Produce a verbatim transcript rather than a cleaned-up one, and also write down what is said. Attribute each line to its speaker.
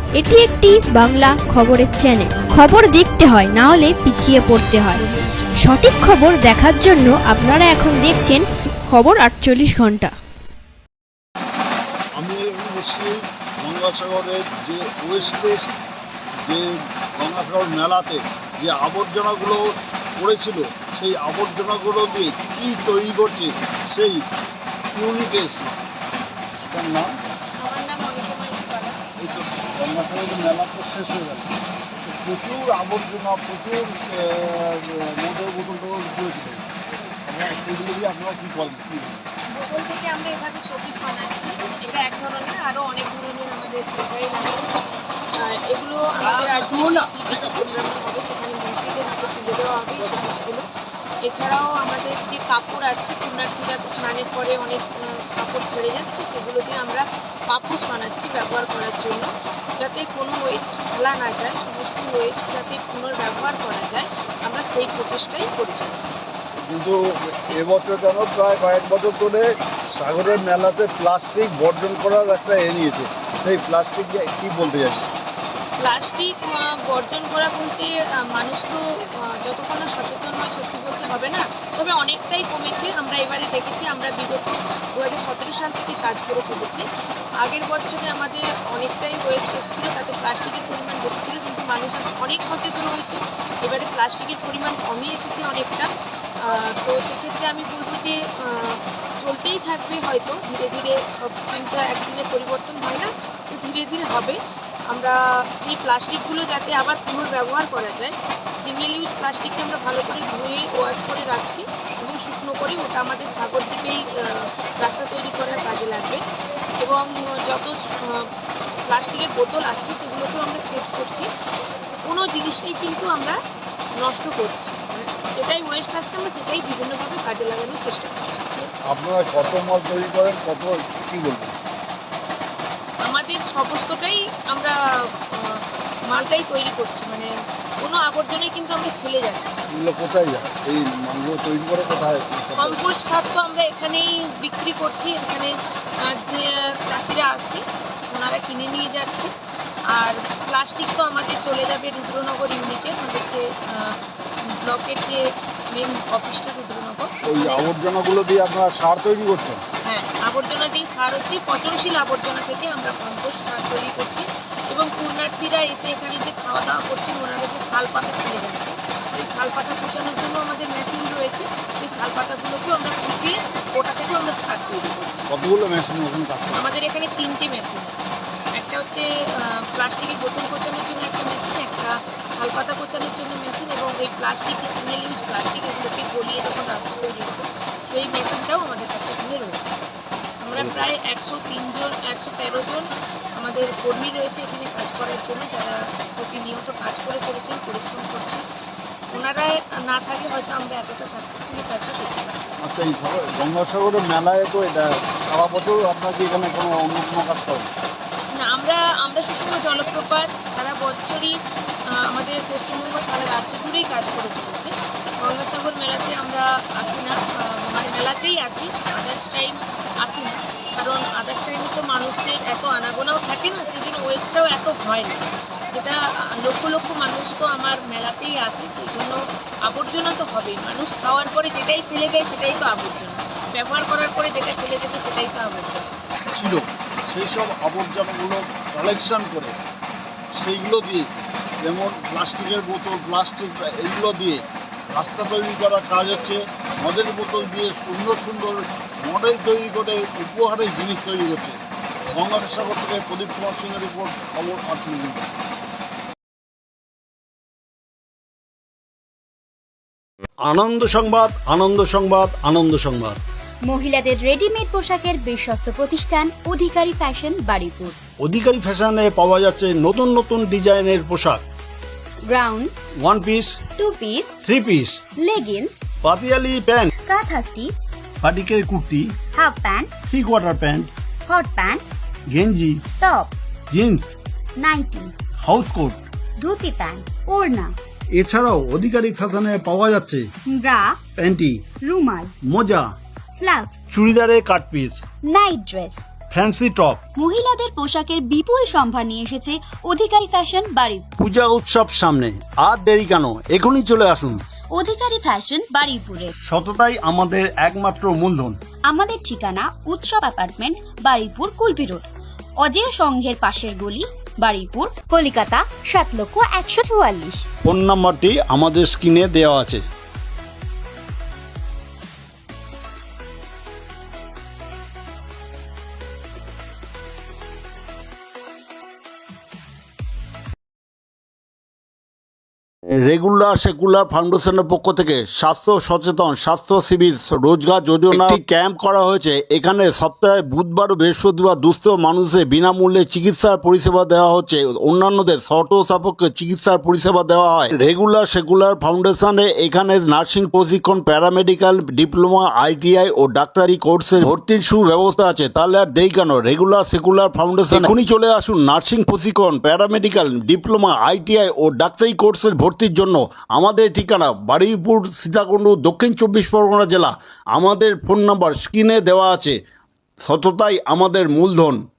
Speaker 1: এটি একটি বাংলা খবরের চ্যানেল। খবর দেখতে হয়, না হলে পিছিয়ে পড়তে হয়। সঠিক খবর দেখার জন্য আপনারা এখন দেখছেন খবর আটচল্লিশ ঘন্টা।
Speaker 2: আমি এসেছি গঙ্গাসাগরের যে ওয়েস্টেজ যে গঙ্গাসাগর মেলাতে যে আবর্জনাগুলো পড়েছিল, সেই আবর্জনাগুলো দিয়ে কী তৈরি করছে সেই ইউনিটে এসেছি। তার নাম এই তো গঙ্গাসাগরের মেলা তো শেষ হয়ে গেল, প্রচুর আবর্জনা, প্রচুর মদের বোতল টোতল পড়েছিল। আপনারা এগুলো দিয়ে আপনারা কী করেন? কী
Speaker 3: বোতল থেকে আমরা এভাবে শোপিস বানাচ্ছি। এটা এক ধরনের, আরও অনেক ধরনের আমাদের ডিজাইন আছে। এগুলো আমাদের আজকে সিবিতে প্রোগ্রাম হবে, সেখানে মন্ত্রীদের হাতে তুলে দেওয়া হবে এই শোপিসগুলো। এছাড়াও আমাদের যে কাপড় আসছে, পুণ্যার্থীরা তো স্নানের পরে অনেক কাপড় ছেড়ে যাচ্ছে, সেগুলো দিয়ে আমরা পাপোশ বানাচ্ছি ব্যবহার করার জন্য, যাতে কোনো ওয়েস্ট ফেলা না যায়, সমস্ত ওয়েস্ট যাতে পুনর্ব্যবহার করা যায়, আমরা সেই প্রচেষ্টাই করে চলছি।
Speaker 2: কিন্তু এবছর যেন প্রায় কয়েক বছর ধরে সাগরের মেলাতে প্লাস্টিক বর্জন করার একটা এ নিয়েছে, সেই প্লাস্টিক কী বলতে চাই?
Speaker 3: প্লাস্টিক বর্জন করা বলতে মানুষ তো যতক্ষণ না সচেতন হয়, সত্যি বলতে হবে না, তবে অনেকটাই কমেছে। আমরা এবারে দেখেছি, আমরা বিগত দু হাজার সতেরো সাল থেকে কাজ করে ফেলেছি। আগের বছরে আমাদের অনেকটাই ওয়েস্ট এসেছিলো, তাতে প্লাস্টিকের পরিমাণ বেশি ছিল, কিন্তু মানুষ অনেক সচেতন হয়েছে। এবারে প্লাস্টিকের পরিমাণ কমে এসেছে অনেকটা। তো সেক্ষেত্রে আমি বলবো যে চলতেই থাকবে, হয়তো ধীরে ধীরে সব কিন্তু একদিনে পরিবর্তন হয় না, তো ধীরে ধীরে হবে। আমরা সেই প্লাস্টিকগুলো যাতে আবার পুনর্ব্যবহার করা যায়, সিঙ্গেল ইউজ প্লাস্টিককে আমরা ভালো করে ধুয়ে ওয়াশ করে রাখছি এবং শুকনো করে ওটা আমাদের সাগর দ্বীপেই রাস্তা তৈরি করার কাজে লাগবে। এবং যত প্লাস্টিকের বোতল আসছে সেগুলোকেও আমরা সেভ করছি। কোনো জিনিসটাই কিন্তু আমরা নষ্ট করছি, যেটাই ওয়েস্ট আসছে আমরা সেটাই বিভিন্নভাবে কাজে লাগানোর চেষ্টা করছি।
Speaker 2: আপনারা কত মাল তৈরি করেন, কত কী বলবেন?
Speaker 3: আমাদের সমস্তটাই আমরা মালটাই তৈরি করছি, মানে কোনো আবর্জনাই কিন্তু আমরা ফেলে যাচ্ছি।
Speaker 2: এগুলো কোথায় যায়? এই মালগুলো তৈরি করে কোথায়?
Speaker 3: কম্পোস্ট সার তো আমরা এখানেই বিক্রি করছি, এখানে যে চাষিরা আসছে ওনারা কিনে নিয়ে যাচ্ছে। আর প্লাস্টিক তো আমাদের চলে যাবে রুদ্রনগর ইউনিটে, আমাদের যে ব্লকের যে মেন অফিসটা রুদ্রনগর।
Speaker 2: ওই আবর্জনাগুলো দিয়ে আপনারা সার তৈরি করছেন?
Speaker 3: হ্যাঁ, আবর্জনা দিয়ে সার হচ্ছে, পচনশীল আবর্জনা থেকে আমরা কম্পোস্ট সার তৈরি করছি। এবং পুণ্যার্থীরা এসে এখানে যে খাওয়া দাওয়া করছেন, ওনারা যে শাল পাতা ফেলে যাচ্ছে, সেই শাল পাতা কুচানোর জন্য আমাদের মেশিন রয়েছে। সেই শাল পাতাগুলোকেও আমরা কুচিয়ে ওটা থেকেও আমরা সার তৈরি করছি।
Speaker 2: কতগুলো মেশিন ওখানে কাজ করে?
Speaker 3: আমাদের এখানে তিনটে মেশিন আছে। একটা হচ্ছে প্লাস্টিকের বোতল কোচানোর জন্য একটা মেশিন, একটা শাল পাতা কোচানোর জন্য মেশিন, এবং এই প্লাস্টিক সিঙ্গেল ইউজ প্লাস্টিক এগুলোকে গলিয়ে যখন রাস্তা তৈরি হবে সেই মেশিনটাও আমাদের কাছে এখানে রয়েছে। আমরা প্রায় একশো তিনজন একশো তেরো জন আমাদের কর্মী রয়েছে এখানে কাজ করার জন্য, যারা প্রতিনিয়ত কাজ করে চলেছেন, পরিশ্রম করছেন। ওনারা না থাকলে হয়তো আমরা এতটা সাকসেসফুলি কাজটা করতে পারি।
Speaker 2: আচ্ছা, এই গঙ্গাসাগরের মেলায় তো এটা সারা বছর আপনার কি এখানে কোনো অন্য কোনো কাজ করেন?
Speaker 3: না, আমরা আমরা সুষম জলপ্রপাত সারা বছরই আমাদের পশ্চিমবঙ্গ সারা রাজ্য জুড়েই কাজ করে চলেছে। গঙ্গাসাগর মেলাতে আমরা আসি না, মানে মেলাতেই আসি, আদার্স টাইম আসি না, কারণ আদার্স টাইমে তো মানুষদের এত আনাগোনাও থাকে না, সেই জন্য ওয়েস্টটাও এত হয় না। যেটা লক্ষ লক্ষ মানুষ তো আমার মেলাতেই আসে, সেই জন্য আবর্জনা তো হবেই। মানুষ খাওয়ার পরে যেটাই ফেলে দেয় সেটাই তো আবর্জনা, ব্যবহার করার পরে যেটা ফেলে দেবে সেটাই তো আবর্জনা
Speaker 2: ছিল। সেই সব আবর্জনাগুলো কালেকশন করে সেইগুলো দিয়ে, যেমন প্লাস্টিকের বোতল, প্লাস্টিক এইগুলো দিয়ে রাস্তা তৈরি করার কাজ হচ্ছে। মদের বোতল দিয়ে সুন্দর সুন্দর মডেল তৈরি করে উপহারের জিনিস তৈরি করছে। গঙ্গাসাগর থেকে প্রদীপ কুমার সিংয়ের রিপোর্ট, খবর আটচল্লিশ ঘন্টা। আনন্দ সংবাদ, আনন্দ সংবাদ, আনন্দ সংবাদ।
Speaker 4: মহিলাদের রেডিমেড পোশাকের বিশ্বস্ত প্রতিষ্ঠান অধিকারী ফ্যাশন বারুইপুর।
Speaker 2: অধিকারী ফ্যাশনে পাওয়া যাচ্ছে নতুন নতুন ডিজাইনের পোশাক,
Speaker 4: ground,
Speaker 2: one piece,
Speaker 4: two piece,
Speaker 2: three piece,
Speaker 4: leggings,
Speaker 2: পাতিয়ালি প্যান্ট,
Speaker 4: কাঁথা স্টিচ,
Speaker 2: বাটিকের kurti,
Speaker 4: half pant,
Speaker 2: three quarter pant,
Speaker 4: hot pant,
Speaker 2: গেঞ্জি,
Speaker 4: top,
Speaker 2: jeans,
Speaker 4: nightie,
Speaker 2: house coat,
Speaker 4: dhoti pant, ওড়না।
Speaker 2: এছাড়াও অধিকারী ফ্যাশনে পাওয়া যাচ্ছে
Speaker 4: ব্রা,
Speaker 2: প্যান্টি,
Speaker 4: রুমাল,
Speaker 2: মোজা,
Speaker 4: স্লাক্স,
Speaker 2: চুড়িদারে cut piece,
Speaker 4: night dress,
Speaker 2: fancy top.
Speaker 4: মহিলাদের পোশাকের বিপুল সম্ভার নিয়ে এসেছে অধিকারী ফ্যাশন বাড়ি।
Speaker 2: পূজা উৎসব সামনে, আর দেরি কেন, এখনই চলে আসুন।
Speaker 4: অধিকারী ফ্যাশন বারুইপুরে।
Speaker 2: সততাই আমাদের একমাত্র মূলধন।
Speaker 4: আমাদের ঠিকানা উৎসব অ্যাপার্টমেন্ট, বারুইপুর, কুলপি রোড, অজেয় সংঘের পাশের গলি, বারুইপুর, কলিকাতা সাত লক্ষ একশো চুয়াল্লিশ।
Speaker 2: ফোন নাম্বারটি আমাদের স্ক্রিনে দেওয়া আছে। রেগুলার সেকুলার ফাউন্ডেশনের পক্ষ থেকে স্বাস্থ্য সচেতন স্বাস্থ্য শিবির রোজগার যোজনা একটি ক্যাম্প করা হয়েছে। এখানে সপ্তাহে বুধবার ও বৃহস্পতিবার দুস্থ মানুষের বিনামূল্যে চিকিৎসার পরিষেবা দেওয়া হচ্ছে। অন্যান্যদের শর্ত সাপেক্ষে চিকিৎসার পরিষেবা দেওয়া হয়। রেগুলার সেকুলার ফাউন্ডেশনে এখানে নার্সিং প্রশিক্ষণ, প্যারামেডিক্যাল ডিপ্লোমা, আইটিআই ও ডাক্তারি কোর্সে ভর্তির সুব্যবস্থা আছে। তাহলে আর দেরি কেন, রেগুলার সেকুলার ফাউন্ডেশন এখনই চলে আসুন। নার্সিং প্রশিক্ষণ, প্যারামেডিক্যাল ডিপ্লোমা, আইটিআই ও ডাক্তারি কোর্সের ভর্তির জন্য। আমাদের ঠিকানা বারুইপুর, সীতাকুণ্ড, দক্ষিণ চব্বিশ পরগনা জেলা। আমাদের ফোন নাম্বার স্ক্রিনে দেওয়া আছে। সততাই আমাদের মূলধন।